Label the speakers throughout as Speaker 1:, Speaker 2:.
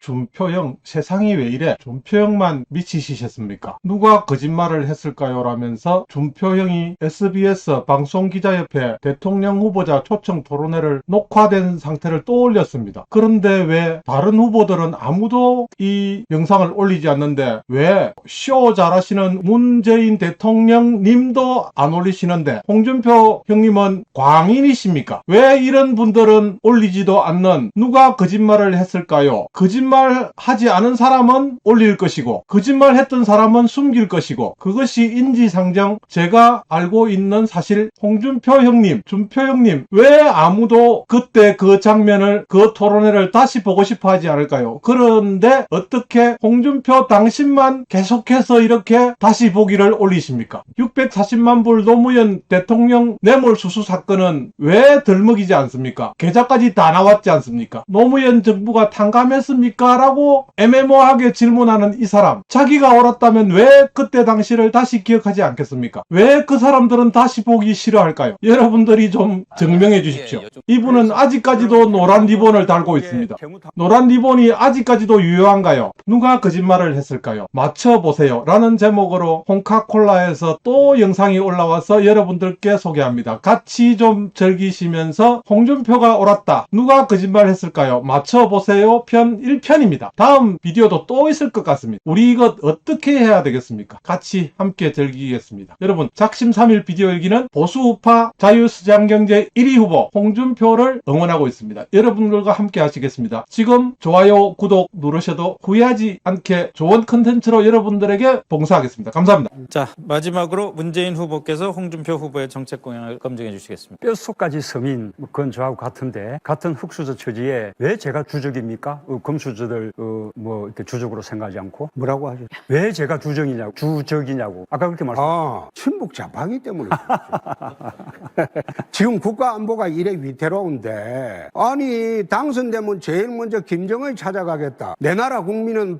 Speaker 1: 준표형 세상이 왜 이래? 준표형만 미치시셨습니까? 누가 거짓말을 했을까요? 라면서 준표형이 SBS 방송기자협회 대통령 후보자 초청 토론회를 녹화된 상태를 떠올렸습니다. 그런데 왜 다른 후보들은 아무도 이 영상을 올리지 않는데 왜 쇼 잘하시는 문재인 대통령님도 안 올리시는데 홍준표 형님은 광인이십니까? 왜 이런 분들은 올리지도 않는, 누가 거짓말을 했을까요? 거짓말하지 않은 사람은 올릴 것이고 거짓말했던 사람은 숨길 것이고, 그것이 인지상정. 제가 알고 있는 사실, 홍준표 형님, 준표 형님 왜 아무도 그때 그 장면을, 그 토론회를 다시 보고 싶어 하지 않을까요? 그런데 어떻게 홍준표 당신만 계속해서 이렇게 다시 보기를 올리십니까? 640만 불 노무현 대통령 뇌물수수 사건은 왜 덜먹이지 않습니까? 계좌까지 다 나왔지 않습니까? 노무현 정부가 탕감했습니까? 라고 애매모호하게 질문하는 이 사람, 자기가 옳았다면 왜 그때 당시를 다시 기억하지 않겠습니까? 왜 그 사람들은 다시 보기 싫어할까요? 여러분들이 좀 증명해 주십시오. 이분은 아직까지도 노란 리본을 달고 있습니다. 노란 리본이 아직까지도 유효한가요? 누가 거짓말을 했을까요? 맞춰보세요 라는 제목으로 홍카콜라에서 또 영상이 올라와서 여러분들께 소개합니다. 같이 좀 즐기시면서 홍준표가 옳았다, 누가 거짓말 했을까요? 맞춰보세요 편 1편입니다. 다음 비디오도 또 있을 것 같습니다. 우리 이거 어떻게 해야 되겠습니까? 같이 함께 즐기겠습니다. 여러분, 작심3일 비디오 일기는 보수우파 자유시장경제 1위 후보 홍준표를 응원하고 있습니다. 여러분들과 함께 하시겠습니다. 지금 좋아요, 구독 누르셔도 후회하지 않게 좋은 컨텐츠로 여러분들에게 봉사하겠습니다. 감사합니다.
Speaker 2: 자, 마지막으로 문재인 후보께서 홍준표 후보의 정책 공약을 검증해 주시겠습니다.
Speaker 3: 뼛속까지 서민, 그건 저하고 같은데, 같은 흑수저 처지에 왜 제가 주적입니까? 금수저들 이렇게 주적으로 생각하지 않고.
Speaker 4: 뭐라고 하죠?
Speaker 3: 왜 제가 주적이냐고. 아까 그렇게 말씀하셨죠.
Speaker 4: 친북 좌파기 때문에 그렇죠. 지금 국가 안보가 이래 위태로운데, 아니 당선되면 제일 먼저 김정을 찾아가겠다. 내 나라 국민은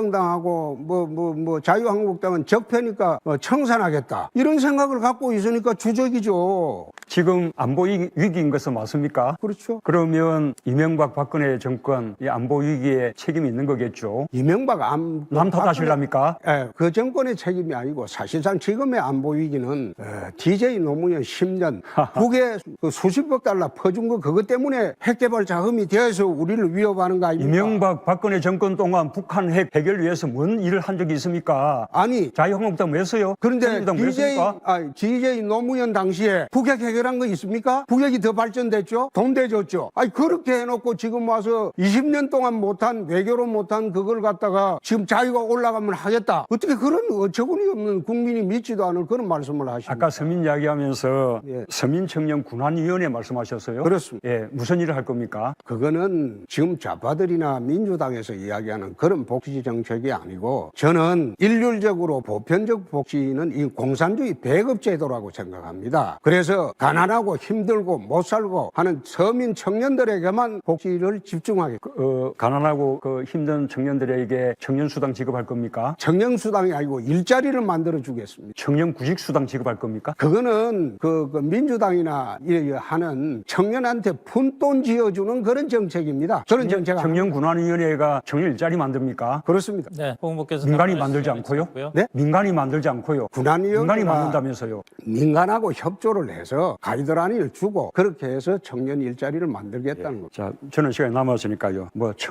Speaker 4: 바른정당하고 자유한국당은 적폐니까 청산하겠다. 이런 생각을 갖고 있으니까 주적이죠.
Speaker 3: 지금 안보 위기인 것은 맞습니까?
Speaker 4: 그렇죠.
Speaker 3: 그러면 이명박 박근혜 정권 이 안보 위기에 책임이 있는 거겠죠.
Speaker 4: 이명박
Speaker 3: 남 탓하실랍니까?
Speaker 4: 예, 그 정권의 책임이 아니고 사실상 지금의 안보 위기는 DJ 노무현 10년 북에 그 수십억 달러 퍼준 거 그것 때문에 핵개발 자금이 되어서 우리를 위협하는 거 아닙니까?
Speaker 3: 이명박 박근혜 정권 동안 북한 핵 해결 위해서 뭔 일을 한 적이 있습니까?
Speaker 4: 아니
Speaker 3: 자유한국당 왜 했어요?
Speaker 4: 그런데
Speaker 3: DJ
Speaker 4: DJ 노무현 당시에 북핵 해결한 거 있습니까? 북핵이 더 발전됐죠? 돈 대줬죠? 아니 그렇게 해놓고 지금 와서 20년 동안 못한, 외교로 못한 그걸 갖다가 지금 자유가 올라가면 하겠다. 어떻게 그런 어처구니 없는, 국민이 믿지도 않을 그런 말씀을 하십니까?
Speaker 3: 아까 서민 이야기하면서
Speaker 4: 예.
Speaker 3: 서민청년군안위원회 말씀하셨어요?
Speaker 4: 그렇습니다.
Speaker 3: 예, 무슨 일을 할 겁니까?
Speaker 4: 그거는 지금 좌파들이나 민주당에서 이야기하는 그런 복지 정책이 아니고, 저는 일률적으로 보편적 복지는 이 공산주의 배급 제도라고 생각합니다. 그래서 가난하고 힘들고 못 살고 하는 서민 청년들에게만 복지를 집중하게.
Speaker 3: 가난하고 힘든 청년들에게 청년수당 지급할 겁니까?
Speaker 4: 청년수당이 아니고 일자리를 만들어 주겠습니다.
Speaker 3: 청년구직수당 지급할 겁니까?
Speaker 4: 그거는 민주당이나 하는 청년한테 푼돈 지어주는 그런 정책입니다. 그런 정책
Speaker 3: 청년군안위원회가 청년 일자리 만듭니까?
Speaker 4: 그렇습니다.
Speaker 2: 네, 홍 후보께서
Speaker 3: 민간이 만들지 않고요?
Speaker 4: 네?
Speaker 3: 민간이 만들지 않고요. 민간이
Speaker 4: 군안위원회가
Speaker 3: 만든다면서요?
Speaker 4: 민간하고 협조를 해서 가이드라인을 주고 그렇게 해서 청년 일자리를 만들겠다는 거죠.
Speaker 3: 자, 저는 시간이 남았으니까요.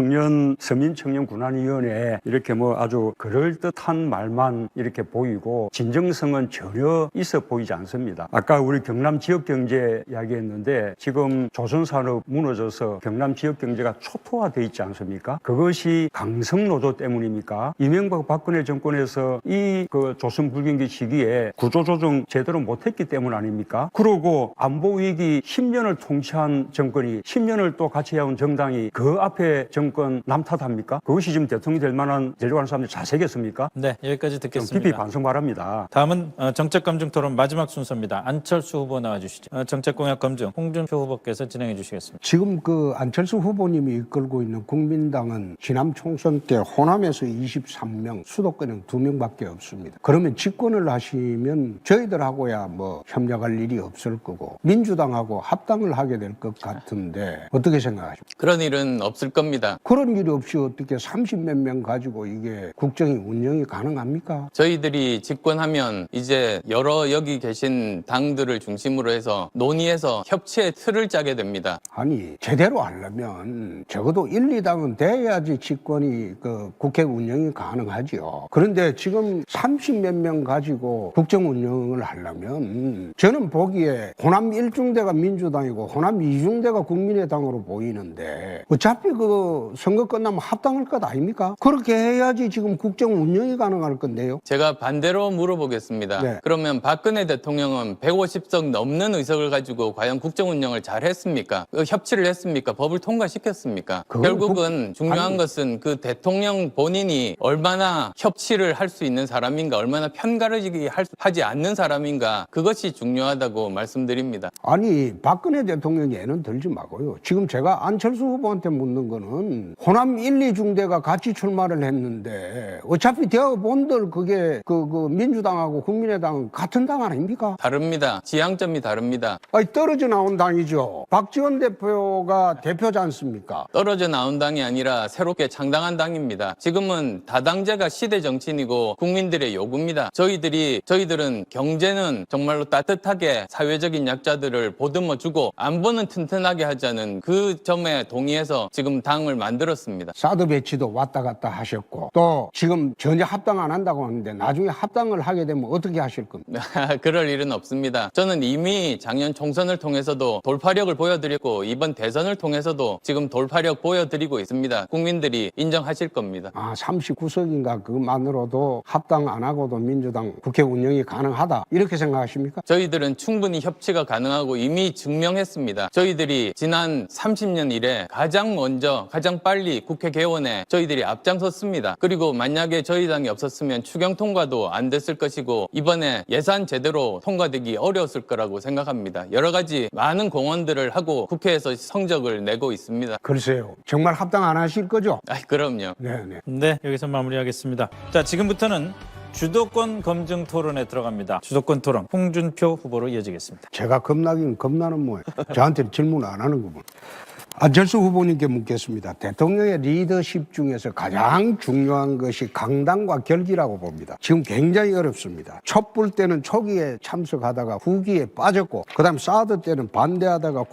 Speaker 3: 서민청년군안위원회 이렇게 아주 그럴듯한 말만 이렇게 보이고 진정성은 전혀 있어 보이지 않습니다. 아까 우리 경남 지역 경제 이야기했는데 지금 조선산업 무너져서 경남 지역 경제가 초토화돼 있지 않습니까? 그것이 강성노조 때문입니까? 이명박 박근혜 정권에서 이 조선 불경기 시기에 구조조정 제대로 못했기 때문 아닙니까? 그러고 안보위기 10년을 통치한 정권이 10년을 또 같이 해온 정당이 그 앞에 정권 남탓합니까? 그것이 지금 대통령이 될 만한 되려고 하는 사람들이 자세겠습니까?
Speaker 2: 네, 여기까지
Speaker 3: 좀
Speaker 2: 듣겠습니다.
Speaker 3: 깊이 반성 바랍니다.
Speaker 2: 다음은 정책검증 토론 마지막 순서입니다. 안철수 후보 나와주시죠. 정책 공약 검증 홍준표 후보께서 진행해 주시겠습니다.
Speaker 4: 지금 안철수 후보님이 이끌고 있는 국민당은 지난 총선 때 호남에서 23명, 수도권은 2명밖에 없습니다. 그러면 집권을 하시면 저희들하고야 협력할 일이 없을 거고 민주당하고 합당을 하게 될 것 같은데 어떻게 생각하십니까?
Speaker 5: 그런 일은 없을 겁니다.
Speaker 4: 그런 일 없이 어떻게 30몇 명 가지고 이게 국정이 운영이 가능합니까?
Speaker 5: 저희들이 집권하면 이제 여러 여기 계신 당들을 중심으로 해서 논의해서 협치의 틀을 짜게 됩니다.
Speaker 4: 아니 제대로 하려면 적어도 1, 2당은 돼야지 집권이 그 국회 운영이 가능하지요. 그런데 지금 30몇 명 가지고 국정 운영을 하려면 저는 보기에 호남 1중대가 민주당이고 호남 2중대가 국민의당으로 보이는데 어차피 그 선거 끝나면 합당할 것 아닙니까? 그렇게 해야지 지금 국정 운영이 가능할 건데요.
Speaker 5: 제가 반대로 물어보겠습니다.
Speaker 4: 네.
Speaker 5: 그러면 박근혜 대통령은 150석 넘는 의석을 가지고 과연 국정 운영을 잘 했습니까? 협치를 했습니까? 법을 통과시켰습니까?
Speaker 4: 그건
Speaker 5: 결국은 중요한
Speaker 4: 아니.
Speaker 5: 것은 그 대통령 본인이 얼마나 협치를 할 수 있는 사람인가, 얼마나 편가르기 하지 않는 사람인가, 그것이 중요하다고 말씀드립니다.
Speaker 4: 아니 박근혜 대통령이 애는 들지 마고요. 지금 제가 안철수 후보한테 묻는 거는 호남 1, 2중대가 같이 출마를 했는데 어차피 대학본들 그게 그 민주당하고 국민의당은 같은 당 아닙니까?
Speaker 5: 다릅니다. 지향점이 다릅니다.
Speaker 4: 아니 떨어져 나온 당이죠. 박지원 대표가 대표지 않습니까?
Speaker 5: 떨어져 나온 당이 아니라 새롭게 창당한 당입니다. 지금은 다당제가 시대 정치인이고 국민들의 요구입니다. 저희들은 경제는 정말로 따뜻하게 사회적인 약자들을 보듬어주고 안보는 튼튼하게 하자는 그 점에 동의해서 지금 당을 만들었습니다.
Speaker 4: 사드 배치도 왔다 갔다 하셨고 또 지금 전혀 합당 안 한다고 하는데 나중에 합당을 하게 되면 어떻게 하실 겁니까?
Speaker 5: 그럴 일은 없습니다. 저는 이미 작년 총선을 통해서도 돌파력을 보여드렸고 이번 대선을 통해서도 지금 돌파력 보여드리고 있습니다. 국민들이 인정하실 겁니다.
Speaker 4: 39석인가 그것만으로도 합당 안 하고도 민주당 국회 운영이 가능하다 이렇게 생각하십니까?
Speaker 5: 저희들은 충분히 협치가 가능하고 이미 증명했습니다. 저희들이 지난 30년 이래 가장 먼저 가장 빨리 국회 개원에 저희들이 앞장섰습니다. 그리고 만약에 저희 당이 없었으면 추경 통과도 안 됐을 것이고 이번에 예산 제대로 통과되기 어려웠을 거라고 생각합니다. 여러 가지 많은 공헌들을 하고 국회에서 성적을 내고 있습니다.
Speaker 4: 글쎄요. 정말 합당 안 하실 거죠?
Speaker 5: 그럼요.
Speaker 4: 네네.
Speaker 2: 네, 여기서 마무리하겠습니다. 자, 지금부터는 주도권 검증 토론에 들어갑니다. 주도권 토론, 홍준표 후보로 이어지겠습니다.
Speaker 4: 제가 겁나긴 겁나는 모양. 저한테 질문 안 하는구먼. 안철수 후보님께 묻겠습니다. 대통령의 리더십 중에서 가장 중요한 것이 강당과 결기라고 봅니다. 지금 굉장히 어렵습니다. 촛불 때는 초기에 참석하다가 후기에 빠졌고 그다음 사드 때는 반대하다가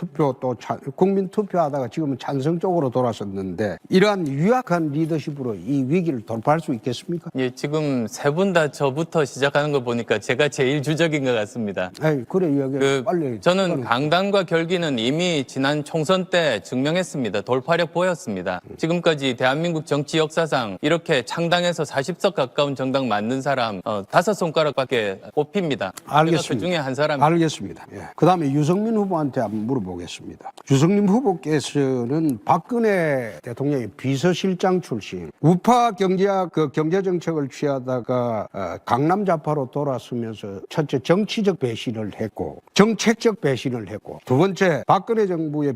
Speaker 4: 국민투표하다가 지금은 찬성 쪽으로 돌아섰는데 이러한 유약한 리더십으로 이 위기를 돌파할 수 있겠습니까?
Speaker 5: 예, 지금 세 분 다 저부터 시작하는 거 보니까 제가 제일 주적인 것 같습니다.
Speaker 4: 에이, 그래 이야기 빨리.
Speaker 5: 저는 강당과 결기는 이미 지난 총선 때 증명했습니다. 돌파력 보였습니다. 지금까지 대한민국 정치 역사상 이렇게 창당해서 40석 가까운 정당 만든 사람 5손가락밖에 꼽힙니다.
Speaker 4: 알겠습니다.
Speaker 5: 제가 그 중에 한 사람.
Speaker 4: 알겠습니다. 예. 그다음에 유승민 후보한테 한번 물어보겠습니다. 유승민 후보께서는 박근혜 대통령의 비서실장 출신, 우파 경제 정책을 취하다가 강남 좌파로 돌아서면서 첫째 정치적 배신을 했고 정책적 배신을 했고 두 번째 박근혜 정부의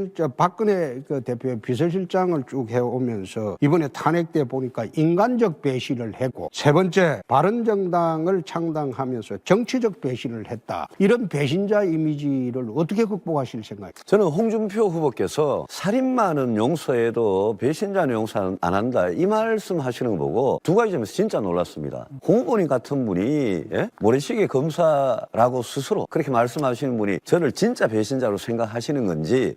Speaker 4: 박근혜 대표의 비서실장을 쭉 해오면서 이번에 탄핵 때 보니까 인간적 배신을 했고 세 번째 바른정당을 창당하면서 정치적 배신을 했다. 이런 배신자 이미지를 어떻게 극복하실 생각이에요?
Speaker 6: 저는 홍준표 후보께서 살인마는 용서해도 배신자는 용서 안 한다 이 말씀 하시는 거 보고 두 가지 점에서 진짜 놀랐습니다. 홍 후보님 같은 분이 모래시계 검사라고 스스로 그렇게 말씀하시는 분이 저를 진짜 배신자로 생각하시는 건지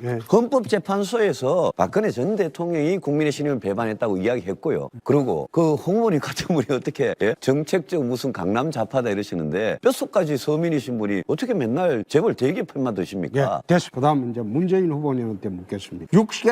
Speaker 6: 헌법재판소에서 박근혜 전 대통령이 국민의 신임을 배반했다고 이야기했고요. 그리고 그 홍 후보님 같은 분이 어떻게 정책적 무슨 강남 좌파다 이러시는데 뼛속까지 서민이신 분이 어떻게 맨날 재벌 대기업 편만 드십니까?
Speaker 4: 됐어. 그다음 이제 문재인 후보님한테 묻겠습니다.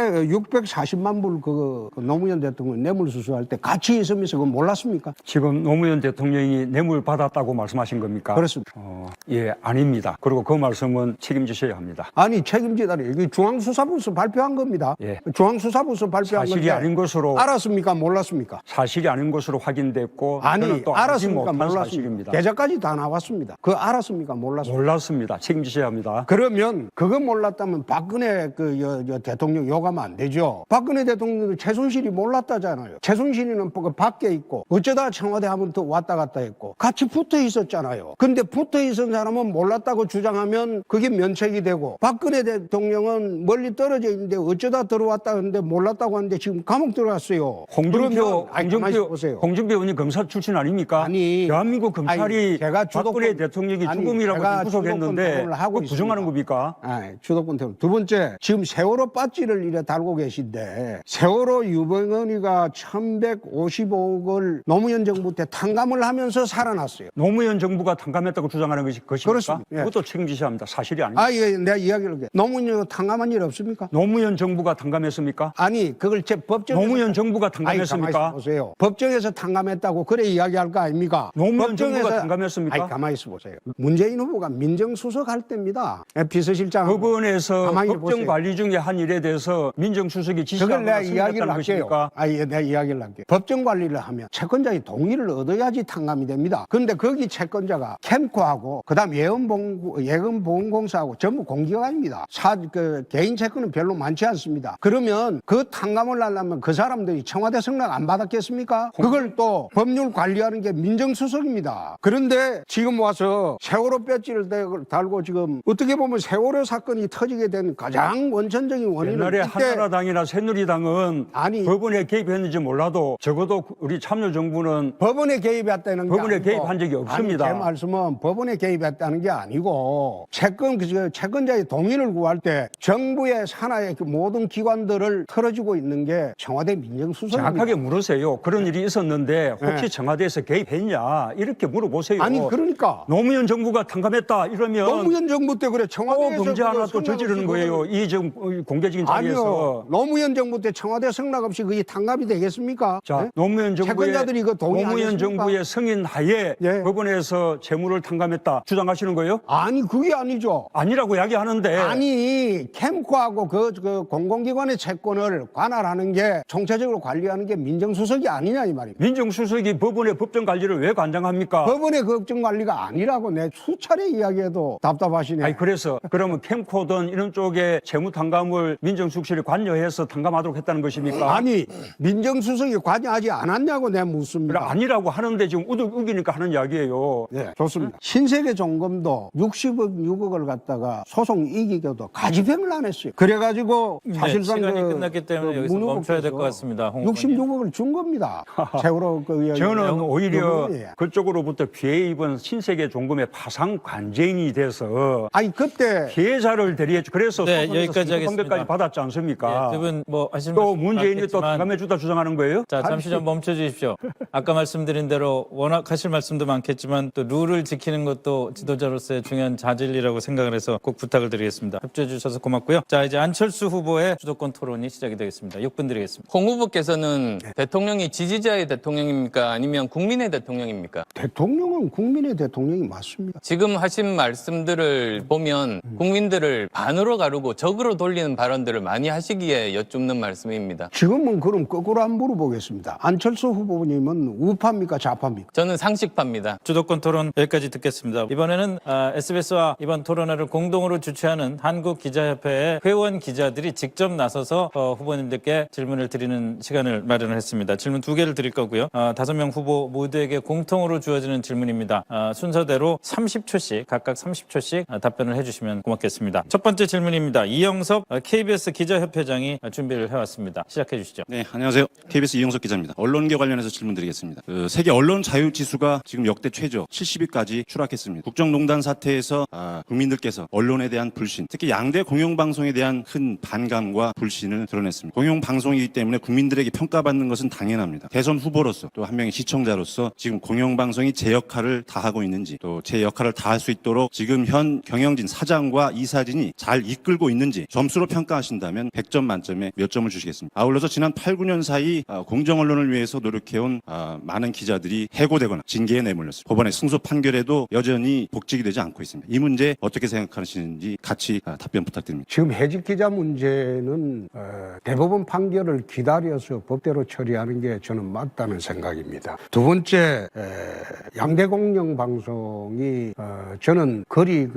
Speaker 4: 640만 불 그 노무현 대통령 뇌물 수수할 때 같이 있으면서 그거 몰랐습니까?
Speaker 3: 지금 노무현 대통령이 뇌물 받았다고 말씀하신 겁니까?
Speaker 4: 그렇습니다.
Speaker 3: 예, 아닙니다. 그리고 그 말씀은 책임지셔야 합니다.
Speaker 4: 아니 책임지다니 이게 중앙수사부에서 발표한 겁니다.
Speaker 3: 예.
Speaker 4: 중앙수사부에서 발표한
Speaker 3: 사실이
Speaker 4: 건데
Speaker 3: 아닌 것으로
Speaker 4: 알았습니까? 몰랐습니까?
Speaker 3: 사실이 아닌 것으로 확인됐고
Speaker 4: 아니
Speaker 3: 저는 또 알지
Speaker 4: 알았습니까?
Speaker 3: 못한
Speaker 4: 몰랐습니까?
Speaker 3: 사실입니다.
Speaker 4: 계좌까지 다 나왔습니다. 그거 알았습니까? 몰랐습니까?
Speaker 3: 몰랐습니다. 책임지셔야 합니다.
Speaker 4: 그러면 그거 몰랐다면 박근혜 대통령 욕하면 안 되죠. 박근혜 대통령도 최순실이 몰랐다잖아요. 최순실이는 그 밖에 있고 어쩌다 청와대 하면 또 왔다 갔다 했고 같이 붙어 있었잖아요. 근데 붙어 있은 사람은 몰랐다고 주장하면 그게 면책이 되고 박근혜 대통령은 멀리 멀리 떨어져 있는데 어쩌다 들어왔다 하는데 몰랐다고 하는데 지금 감옥 들어갔어요.
Speaker 3: 홍준표
Speaker 4: 가만히 보세요.
Speaker 3: 홍준표 의원이 검사 출신 아닙니까?
Speaker 4: 아니,
Speaker 3: 대한민국 검찰이
Speaker 4: 아니, 제가
Speaker 3: 박근혜 대통령이
Speaker 4: 아니,
Speaker 3: 죽음이라고
Speaker 4: 제가
Speaker 3: 구속했는데
Speaker 4: 주도권 토론을 하고
Speaker 3: 그거 부정하는
Speaker 4: 있습니다.
Speaker 3: 겁니까?
Speaker 4: 주도권 토론. 두 번째, 지금 세월호 빠지를 이래 달고 계신데 세월호 유병언이가 1155억을 노무현 정부 때 탕감을 하면서 살아났어요.
Speaker 3: 노무현 정부가 탕감했다고 주장하는 것입니까?
Speaker 4: 그렇습니다. 예.
Speaker 3: 그것도 책임지셔야 합니다. 사실이 아닙니다.
Speaker 4: 예, 내가 이야기를 할게. 노무현 탕감한 일 없습니까?
Speaker 3: 노무현 정부가 탕감했습니까?
Speaker 4: 아니, 그걸 제 법정에서
Speaker 3: 노무현 정부가
Speaker 4: 가만히
Speaker 3: 탕감했습니까?
Speaker 4: 보세요. 법정에서 탕감했다고 그래 이야기할 거 아닙니까?
Speaker 3: 노무현 정부가 탕감했습니까?
Speaker 4: 가만히 있어 보세요. 문재인 후보가 민정수석 할 때입니다. 비서실장
Speaker 3: 법원에서
Speaker 4: 가만히
Speaker 3: 법정
Speaker 4: 보세요.
Speaker 3: 관리 중에 한 일에 대해서 민정수석이
Speaker 4: 그걸
Speaker 3: 지시하거나
Speaker 4: 내가 이야기를
Speaker 3: 승인했다는
Speaker 4: 할게요.
Speaker 3: 것입니까?
Speaker 4: 내가 이야기를 할게요. 법정 관리를 하면 채권자의 동의를 얻어야지 탕감이 됩니다. 그런데 거기 채권자가 캠코하고 그다음 예금보험공사하고 전부 공기관입니다. 개인 채권은 별로 많지 않습니다. 그러면 그 탕감을 하려면 그 사람들이 청와대 승낙 안 받았겠습니까? 그걸 또 법률 관리하는 게 민정수석입니다. 그런데 지금 와서 세월호 배지를 달고 지금 어떻게 보면 세월호 사건이 터지게 된 가장 원천적인 원인은
Speaker 3: 옛날에
Speaker 4: 이때
Speaker 3: 한나라당이나 새누리당은
Speaker 4: 아니,
Speaker 3: 법원에 개입했는지 몰라도 적어도 우리 참여정부는
Speaker 4: 법원에 개입했다는 게
Speaker 3: 법원에
Speaker 4: 아니고,
Speaker 3: 개입한 적이 없습니다.
Speaker 4: 아니, 제 말씀은 법원에 개입했다는 게 아니고 채권자의 동의를 구할 때 정부의 산하의 그 모든 기관들을 털어주고 있는 게 청와대 민정수석입니다.
Speaker 3: 정확하게 물으세요. 그런 일이 있었는데 혹시
Speaker 4: 네.
Speaker 3: 청와대에서 개입했냐 이렇게 물어보세요.
Speaker 4: 아니 그러니까
Speaker 3: 노무현 정부가 탕감했다 이러면
Speaker 4: 노무현 정부 때 그래
Speaker 3: 또
Speaker 4: 청와대에서
Speaker 3: 범죄 하나 또
Speaker 4: 성낙
Speaker 3: 저지르는
Speaker 4: 없이
Speaker 3: 거예요. 이 지금 공개적인 자리에서.
Speaker 4: 아니요. 노무현 정부 때 청와대 성낙 없이 그게 탕감이 되겠습니까?
Speaker 3: 자,
Speaker 4: 네?
Speaker 3: 노무현 정부의
Speaker 4: 채권자들이 이거 동의하겠습니까?
Speaker 3: 노무현 정부의 승인 하에
Speaker 4: 예.
Speaker 3: 법원에서 채무를 탕감했다 주장하시는 거예요?
Speaker 4: 아니 그게 아니죠.
Speaker 3: 아니라고 이야기하는데
Speaker 4: 아니 캠코하고 그 공공기관의 채권을 관할하는 게 총체적으로 관리하는 게 민정수석이 아니냐 이 말입니다.
Speaker 3: 민정수석이 법원의 법정 관리를 왜 관장합니까?
Speaker 4: 법원의 걱정 관리가 아니라고 내 수차례 이야기해도 답답하시네.
Speaker 3: 아니 그래서 그러면 캠코든 이런 쪽에 채무 탕감을 민정수석실이 관여해서 탕감하도록 했다는 것입니까?
Speaker 4: 아니 민정수석이 관여하지 않았냐고 내가 묻습니다.
Speaker 3: 아니라고 하는데 지금 우기니까 하는 이야기예요.
Speaker 4: 네, 좋습니다. 신세계종검도 6억을 갖다가 소송 이기고도 가지병을 안 했어요. 그래가지고 사실상
Speaker 2: 시간이 끝났기 때문에 여기서 멈춰야 될 것 같습니다. 홍 의원님.
Speaker 4: 66억을 준 겁니다. 세월호
Speaker 3: 저는 오히려
Speaker 4: 부분이에요.
Speaker 3: 그쪽으로부터 피해 입은 신세계 종금의 파상 관쟁이 돼서
Speaker 4: 아니 그때
Speaker 3: 피해자를 대리했죠. 그래서
Speaker 2: 네,
Speaker 3: 소송에서
Speaker 2: 여기까지 하겠습니다.
Speaker 3: 까지 받았지 않습니까?
Speaker 2: 두 분 뭐 하실
Speaker 3: 또
Speaker 2: 말씀
Speaker 3: 문재인이 또
Speaker 2: 많겠지만
Speaker 3: 탕감해 주다 주장하는 거예요?
Speaker 2: 자, 잠시 좀 멈춰 주십시오. 아까 말씀드린 대로 워낙 하실 말씀도 많겠지만 또 룰을 지키는 것도 지도자로서의 중요한 자질이라고 생각을 해서 꼭 부탁을 드리겠습니다. 협조해 주셔서 고맙고요. 자, 이제 안철수 후보의 주도권 토론이 시작이 되겠습니다. 6분 드리겠습니다.
Speaker 5: 홍 후보께서는 대통령이 지지자의 대통령입니까? 아니면 국민의 대통령입니까?
Speaker 4: 대통령은 국민의 대통령이 맞습니다.
Speaker 5: 지금 하신 말씀들을 보면 국민들을 반으로 가르고 적으로 돌리는 발언들을 많이 하시기에 여쭙는 말씀입니다.
Speaker 4: 지금은 그럼 거꾸로 한번 물어보겠습니다. 안철수 후보님은 우파입니까 좌파입니까?
Speaker 5: 저는 상식파입니다.
Speaker 2: 주도권 토론 여기까지 듣겠습니다. 이번에는 SBS와 이번 토론회를 공동으로 주최하는 한국기자협회의 회원 기자들이 직접 나서서 후보님들께 질문을 드리는 시간을 마련을 했습니다. 질문 2개를 드릴 거고요. 5명 후보 모두에게 공통으로 주어지는 질문입니다. 순서대로 30초씩 각각 30초씩 답변을 해주시면 고맙겠습니다. 첫 번째 질문입니다. 이영섭 KBS 기자협회장이 준비를 해왔습니다. 시작해 주시죠.
Speaker 7: 네, 안녕하세요. KBS 이영석 기자입니다. 언론계 관련해서 질문드리겠습니다. 세계 언론 자유 지수가 지금 역대 최저 70위까지 추락했습니다. 국정농단 사태에서 국민들께서 언론에 대한 불신, 특히 양대 공영방송에 대한 큰 반감과 불신을 드러냈습니다. 공영방송이기 때문에 국민들에게 평가받는 것은 당연합니다. 대선 후보로서 또 한 명의 시청자로서 지금 공영방송이 제 역할을 다하고 있는지 또 제 역할을 다할 수 있도록 지금 현 경영진 사장과 이사진이 잘 이끌고 있는지 점수로 평가하신다면 100점 만점에 몇 점을 주시겠습니다. 아울러서 지난 8, 9년 사이 공정언론을 위해서 노력해온 많은 기자들이 해고되거나 징계에 내몰렸습니다. 법원의 승소 판결에도 여전히 복직이 되지 않고 있습니다. 이 문제 어떻게 생각하시는지 같이 답변 부탁드립니다.
Speaker 4: 지금 해직 기자 문제는 대법원 판결을 기다려서 법대로 처리하는 게 저는 맞다는 생각입니다. 두 번째, 양대 공영 방송이 저는 거리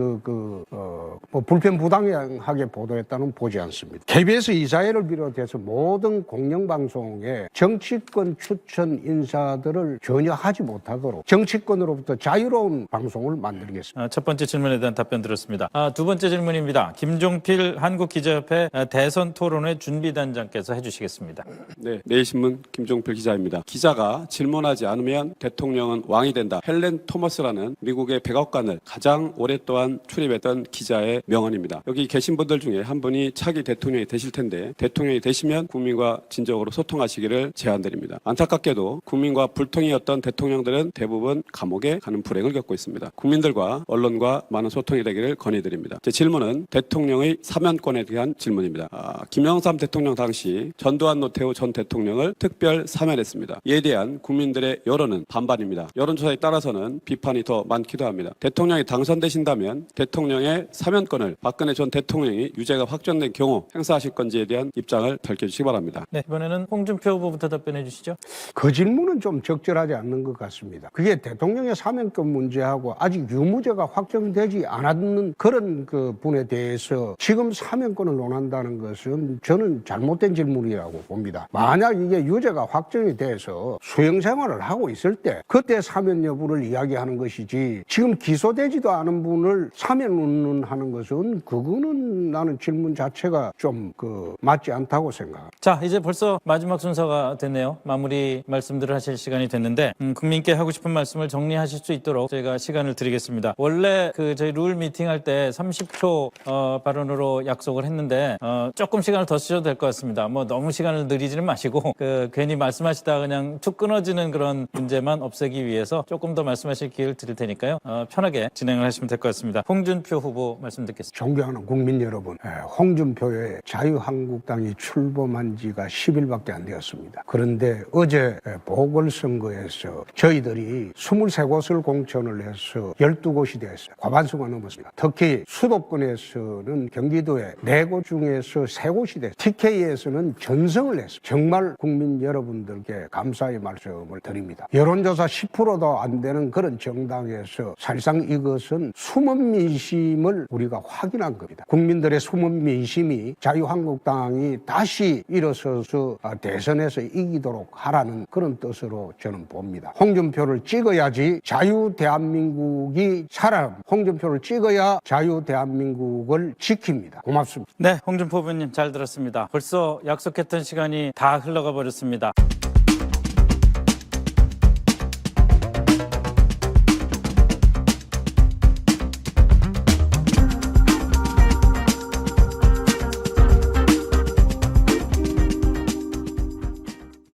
Speaker 4: 뭐 불편 부당하게 보도했다는 보지 않습니다. KBS 이사회를 비롯해서 모든 공영 방송에 정치권 추천 인사들을 전혀 하지 못하도록 정치권으로부터 자유로운 방송을 만들겠습니다.
Speaker 2: 첫 번째 질문에 대한 답변 들었습니다. 두 번째 질문입니다. 김종필 한국기자협회 대선 토론회 준비단장께서 해주시겠습니다.
Speaker 8: 네, 내일신문 김종필 기자입니다. 기자가 질문하지 않으면 대통령은 왕이 된다. 헬렌 토머스라는 미국의 백악관을 가장 오랫동안 출입했던 기자의 명언입니다. 여기 계신 분들 중에 한 분이 차기 대통령이 되실 텐데 대통령이 되시면 국민과 진정으로 소통하시기를 제안드립니다. 안타깝게도 국민과 불통이었던 대통령들은 대부분 감옥에 가는 불행을 겪고 있습니다. 국민들과 언론과 많은 소통이 되기를 건의드립니다. 제 질문은 대통령의 사면권에 대한 질문입니다. 김영삼 대통령 당시 전두환 노태우 전 대통령을 특별 사면했습니다. 이에 대한 국민들의 여론은 반반입니다. 여론조사에 따라서는 비판이 더 많기도 합니다. 대통령이 당선되신다면 대통령의 사면권을 박근혜 전 대통령이 유죄가 확정된 경우 행사하실 건지에 대한 입장을 밝혀주시기 바랍니다.
Speaker 2: 네, 이번에는 홍준표 후보부터 답변해 주시죠.
Speaker 4: 그 질문은 좀 적절하지 않는 것 같습니다. 그게 대통령의 사면권 문제하고 아직 유무죄가 확정되지 않았는 그런 그 분에 대해서 지금 사면권을 논한다는 것은 저는 잘못된 질문이라고 봅니다. 만약 이게 유죄가 확정이 돼서 수용 생활을 하고 있을 때 그때 사면 여부를 이야기하는 것이지 지금 기소되지도 않은 분을 사면 운운하는 것은 그거는 나는 질문 자체가 좀 맞지 않다고 생각합니다.
Speaker 2: 자, 이제 벌써 마지막 순서가 됐네요. 마무리 말씀들을 하실 시간이 됐는데 국민께 하고 싶은 말씀을 정리하실 수 있도록 저희가 시간을 드리겠습니다. 원래 저희 룰 미팅할 때 30초 발언으로 약속을 했는데 조금 시간을 더 쓰셔도 될 것 같습니다. 뭐 너무 시간을 늘리지는 마시고 괜히 말씀하시다가 그냥 툭 끊어지는 그런 문제만 없애기 위해서 조금 더 말씀하실 기회를 드릴 테니까요. 편하게 진행을 하시면 될 것 같습니다. 홍준표 후보 말씀 듣겠습니다.
Speaker 4: 존경하는 국민 여러분, 홍준표의 자유한국당이 출범한 지가 10일밖에 안 되었습니다. 그런데 어제 보궐선거에서 저희들이 23곳을 공천을 해서 12곳이 되었어요. 과반수가 넘었습니다. 특히 수도권에서는 경기도에 4곳 중에서 3곳이 됐어요. TK에서는 전성을 했어요. 정말 국민 여러분들께 감사의 말씀을 드립니다. 여론조사 10%도 안 되는 그런 정당에서 사실상 이것은 숨은 민심을 우리가 확인한 겁니다. 국민들의 숨은 민심이 자유한국당이 다시 일어서서 대선에서 이기도록 하라는 그런 뜻으로 저는 봅니다. 홍준표를 찍어야지 자유 대한민국이 살아납니다. 홍준표를 찍어야 자유 대한민국을 지킵니다. 고맙습니다.
Speaker 2: 네, 홍준표 후보님 잘 들었습니다. 벌써 약속했던 시간이 다 흘러가 버렸습니다.